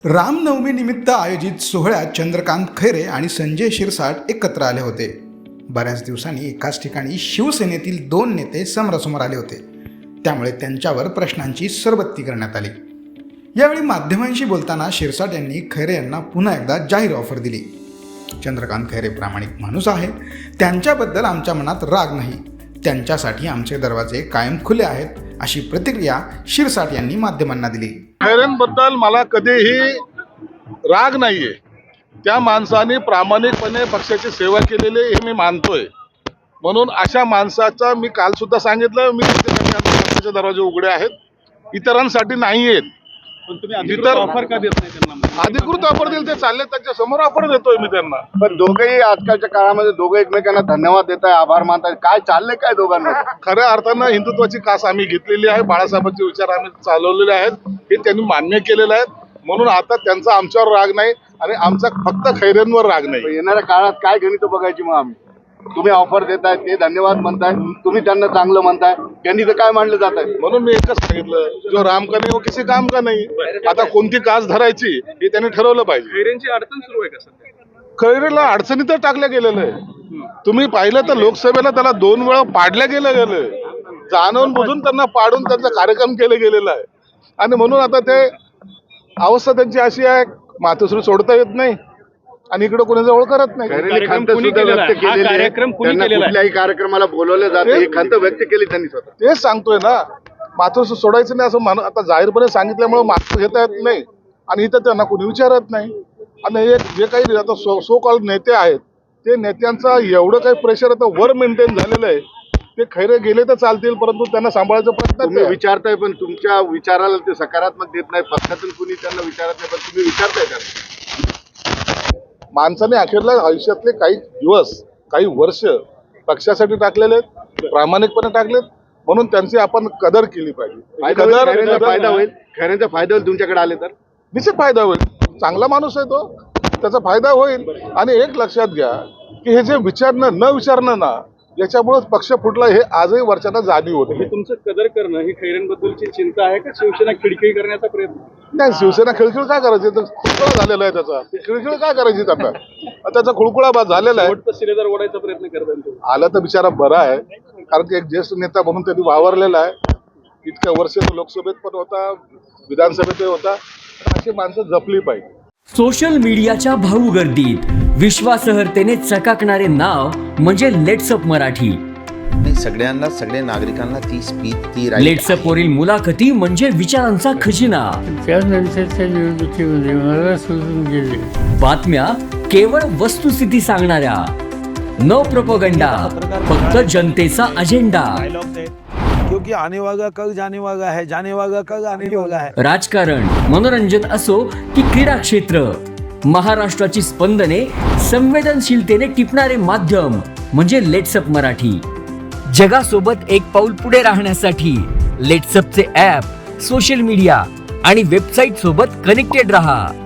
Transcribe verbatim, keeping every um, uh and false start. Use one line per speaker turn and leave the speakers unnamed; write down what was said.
रामनवमी निमित्त आयोजित सोहळ्यात चंद्रकांत खैरे आणि संजय शिरसाट एकत्र आले होते. बऱ्याच दिवसांनी एकाच ठिकाणी शिवसेनेतील दोन नेते समोरासमोर आले होते, त्यामुळे त्यांच्यावर प्रश्नांची सरबत्ती करण्यात आली. यावेळी माध्यमांशी बोलताना शिरसाट यांनी खैरे यांना पुन्हा एकदा जाहीर ऑफर दिली. चंद्रकांत खैरे प्रामाणिक माणूस आहे, त्यांच्याबद्दल आमच्या मनात राग नाही, त्यांच्यासाठी आमचे दरवाजे कायम खुले आहेत, अशी प्रतिक्रिया शिरसाट यांनी माध्यमांना दिली.
खैरेंबद्दल मला कधीही राग नाहीये. त्या माणसाने प्रामाणिकपणे पक्षाची सेवा केलेली हे मी मानतोय. म्हणून अशा माणसाचा मी काल सुद्धा सांगितलं, मी पक्षाचे दरवाजे उघडे आहेत, इतरांसाठी नाही आहेत.
पण तुम्ही अधिकृत ऑफर का देत नाही त्यांना?
अधिकृत ऑफर दिले ते चालले, त्यांच्या समोर ऑफर देतोय मी त्यांना.
पण दोघेही आजकालच्या काळामध्ये दोघे एकमेकांना धन्यवाद देत आहे, आभार मानताय. काय चाललंय काय दोघांमध्ये?
खऱ्या अर्थानं हिंदुत्वाची कास आम्ही घेतलेली आहे, बाळासाहेबांचे विचार आम्ही चालवलेले आहेत, हे त्यांनी मान्य केलेले आहेत. म्हणून आता त्यांचा आमच्यावर राग नाही आणि आमचा फक्त खैरेंवर राग नाही.
येणाऱ्या काळात काय गणित बघायची मग आम्ही? तुम्ही ऑफर देताय, ते धन्यवाद म्हणताय, तुम्ही त्यांना चांगलं म्हणताय, त्यांनी तर काय मानलं जात आहे?
म्हणून मी एकच सांगितलं, जो राम का नाही वो किसी काम का नाही. आता कोणती कास धरायची हे त्यांनी ठरवलं पाहिजे.
खैरेंची अडचण सुरू आहे का सध्या?
खैरेला अडचणीत टाकलं गेलेलं आहे. तुम्ही पाहिलं तर लोकसभेला त्याला दोन वेळा पाडल्या गेलं गेलं, जाणून बुजून त्यांना पाडून त्यांचा कार्यक्रम केला गेलेला आहे. आणि म्हणून आता ते अवस्था त्यांची अशी आहे, मातोश्री सोडता येत नाही आणि इकडे कोणी जवळ करत नाही.
कुठल्याही कार्यक्रमाला बोलवलं जातं, ही खंत व्यक्त केली त्यांनी स्वतः.
तेच सांगतोय ना, मातोश्री सोडायचं नाही असं मान आता जाहीरपणे सांगितल्यामुळे मात्र घेता येत नाही आणि इथं त्यांना कोणी विचारत नाही. आणि हे जे काही आता सो सो कॉल नेते आहेत, ते नेत्यांचा एवढं काही प्रेशर आता वर मेंटेन झालेलं आहे. ते खैरे गेले तर चालतील, परंतु त्यांना सांभाळायचा प्रयत्न
तुम्ही विचारताय, पण तुमच्या विचाराला ते सकारात्मक देत नाही. पक्षातून कुणी त्यांना विचारत नाही, पण तुम्ही विचारताय त्यांना.
माणसाने अखेरला आयुष्यातले काही दिवस, काही वर्ष पक्षासाठी टाकलेले आहेत, प्रामाणिकपणे टाकलेत, म्हणून त्यांची आपण कदर केली पाहिजे.
खैरेंचा फायदा होईल, खैरेंचा फायदा होईल तुमच्याकडे आले तर
निश्चित फायदा होईल. चांगला माणूस आहे तो, त्याचा फायदा होईल. आणि एक लक्षात घ्या की हे जे विचारणं न विचारणं ना, याच्यामुळेच पक्ष फुटला हे आजही वर्षांना जाणीव होते.
हे तुमचं कदर करणं ही खैरेंबद्दलची चिंता आहे का शिवसेना खिळखिळी करण्याचा प्रयत्न?
नाही, शिवसेना खिळखिळ काय करायची, तर खुळखुळा झालेला आहे त्याचा. खिळखिळ काय करायची त्यांना? त्याचा खुळखुळा बा झालेला आहे.
शेवटचा शिलेदार ओढायचा प्रयत्न करताय तुम्ही.
आला तर बिचारा बरा आहे, कारण की एक ज्येष्ठ नेता म्हणून त्यांनी वावरलेला आहे. इतक्या वर्ष तो लोकसभेत पण होता, विधानसभेतही होता. अशी माणसं जपली पाहिजे.
सोशल मीडियाच्या भाऊ गर्दीत विश्वासार्हतेने चकाकणारे नाव म्हणजे लेट्सअप मराठी.
नाही, सगळ्यांना, सगळ्या नागरिकांना ती स्पीच, ती
लेट्सअप वरील मुलाखती म्हणजे विचारांचा खजिना.
त्यानंतरच्या निवडणुकीमध्ये मला सोडून गेले.
बातम्या केवळ वस्तुस्थिती सांगणाऱ्या, न प्रोपगंडा, फक्त जनतेचा अजेंडा.
क्योंकि आने वाला कल जाने वाला है, जाने वाला कल आने वाला है.
राजकारण, मनोरंजन असो की क्रीडा क्षेत्र, महाराष्ट्राची स्पंदने संवेदनशीलतेने टिपणारे माध्यम म्हणजे लेट्सअप मराठी. जगासोबत एक पाऊल पुढे राहण्यासाठी लेट्सअपचे ॲप, सोशल मीडिया आणि वेबसाईट सोबत कनेक्टेड रहा.